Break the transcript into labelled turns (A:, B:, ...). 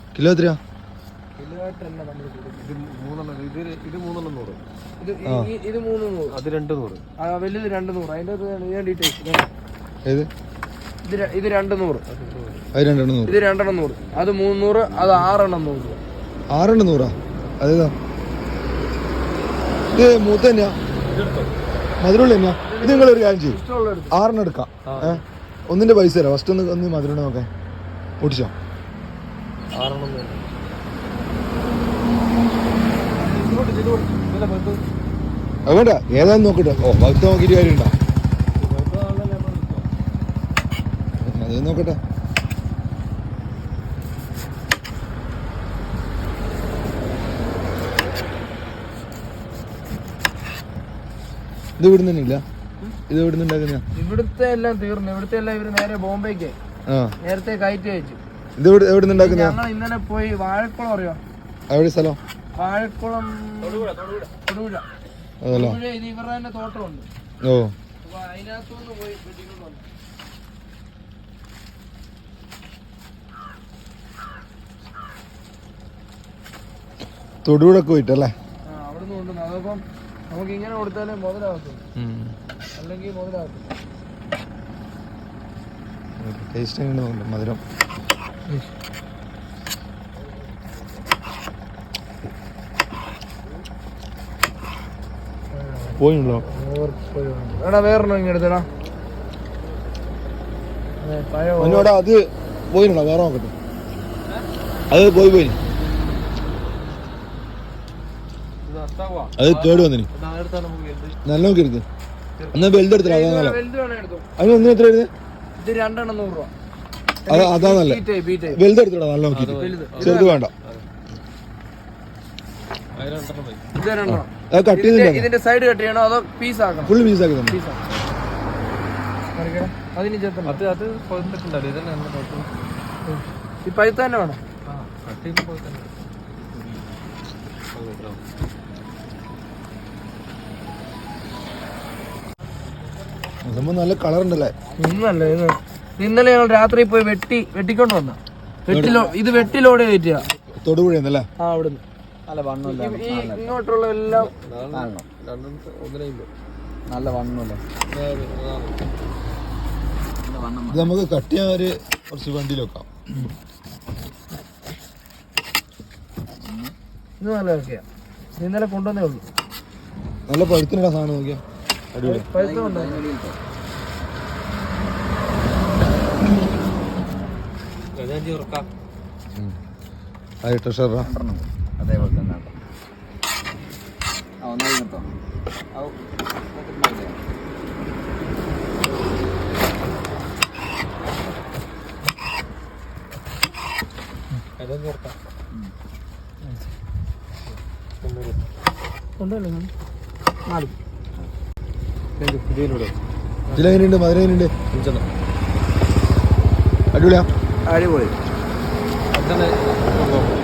A: Kilo എത്രയാ?
B: ഇത് 300, അത് 200, വലുത് 200. അതിന്റെ ഡീറ്റെയിൽസ്
A: ഏത്?
B: ഇത് 200,
A: അത് 200,
B: ഇത് 2 100, അത് 300, അത് 6 100.
A: 6 100? അതേതാ? ഇത് മൂത്ത തന്നെയാ, മധുരമുള്ള തന്നെയാ? ഇത് നിങ്ങളൊരു കാര്യം ചെയ്യും, 6 എടുക്കാം. ഒന്നിന്റെ പൈസ തരാം. ഫസ്റ്റ് ഒന്ന് മധുരം നോക്കാൻ ഓടിച്ചോ.
B: 6
A: അത് വേണ്ട, ഏതാന്ന് നോക്കട്ടെ. ഓ ഭക്ത നോക്കിയിട്ട് കാര്യമുണ്ടോ? അത് നോക്കട്ടെ. ഇത് ഇവിടുന്ന് തന്നെ ഇല്ല? ഇത് ഇവിടുന്ന് ഉണ്ടാക്കുന്ന?
B: ഇവിടുത്തെ എല്ലാം തീർന്നു. ഇവിടുത്തെ എല്ലാം ഇവര് നേരെ ബോംബെക്ക് നേരത്തെ കയറ്റി അയച്ചു.
A: ഇത് എവിടുന്ന് ഉണ്ടാക്കുന്ന?
B: ഞങ്ങൾ ഇന്നലെ പോയി വാഴക്കുളം, അറിയോ?
A: എവിടെ സ്ഥലം?
B: വാഴക്കുളം, തൊടുപുഴ.
A: അതല്ലോ,
B: ഇത് ഇവരുടെ തന്നെ തോട്ടമുണ്ട്.
A: ഓ,
B: അപ്പൊ അതിനകത്തുനിന്ന് പോയി വെട്ടിക്കൊണ്ട് വന്നു.
A: തൊടുപുഴക്ക് പോയിട്ടല്ലേ?
B: അവിടുന്ന് കൊണ്ടുവന്നു. അതപ്പം നമുക്ക് ഇങ്ങനെ കൊടുത്താലേ മുതലാകത്തുള്ളൂ, അല്ലെങ്കിൽ മുതലാകത്തില്ല.
A: ടേസ്റ്റ് എങ്ങനെയുണ്ട്? മധുരം പോയില്ലോ.
B: എടാ വേറെണ്ണോ ഇങ്ങനെ എടുത്തടാ.
A: എന്നോടാ അത് പോയില്ല, വേറെ നോക്കട്ടെ. അത് പോയി അത് കേട് വന്നിന്. നല്ല നോക്കി എടുത്ത് എന്നാ ബെൽറ്റ് എടുത്തില്ല. അതാ നല്ല. അതിന് ഒന്നും എത്ര എഴുതി?
B: ഇത് 2 100 രൂപ.
A: അതാ നല്ല. വലുത് എടുത്തിടാ, നല്ല നോക്കി. ചെറുത് വേണ്ട. കട്ട് ചെയ്തില്ല.
B: ഇതിന്റെ സൈഡ് കട്ട് ചെയ്യണോ അതോ പീസ് ആക്കണം?
A: ഫുൾ പീസ് ആക്കി തന്നെ.
B: ഈ പഴുത്ത തന്നെ വേണം.
A: നല്ല കളർ ഉണ്ടല്ലേ?
B: ഒന്നല്ല, ഇന്നലെ ഞങ്ങൾ രാത്രി പോയി വെട്ടിക്കൊണ്ട് വന്ന ഇത് വെട്ടിലോട് കയറ്റിയ
A: തൊടുപുഴന്നല്ലേ?
B: അവിടുന്ന് ഇങ്ങോട്ടുള്ള എല്ലാം
A: നല്ല വണ്ണല്ലേ? ഇത് നമുക്ക് കട്ട് ചെയ്യാൻ കുറച്ച് വണ്ടിയിൽ വെക്കാം.
B: ഇത് നല്ല ഒക്കെയാ. ഇന്നലെ കൊണ്ടുവന്നേ ഉള്ളൂ.
A: നല്ല പഴുത്തിനിടാ സാധനം നോക്കിയാ. അടിപൊളി
B: പഴുത്തുണ്ട്.
A: ട്രഷറാ
C: അതേപോലെ തന്നെ
A: ഇതിലെങ്ങനെയുണ്ട്? മധുരം എങ്ങനെയുണ്ട്? അടിപൊളിയാ?
B: അടിപൊളി.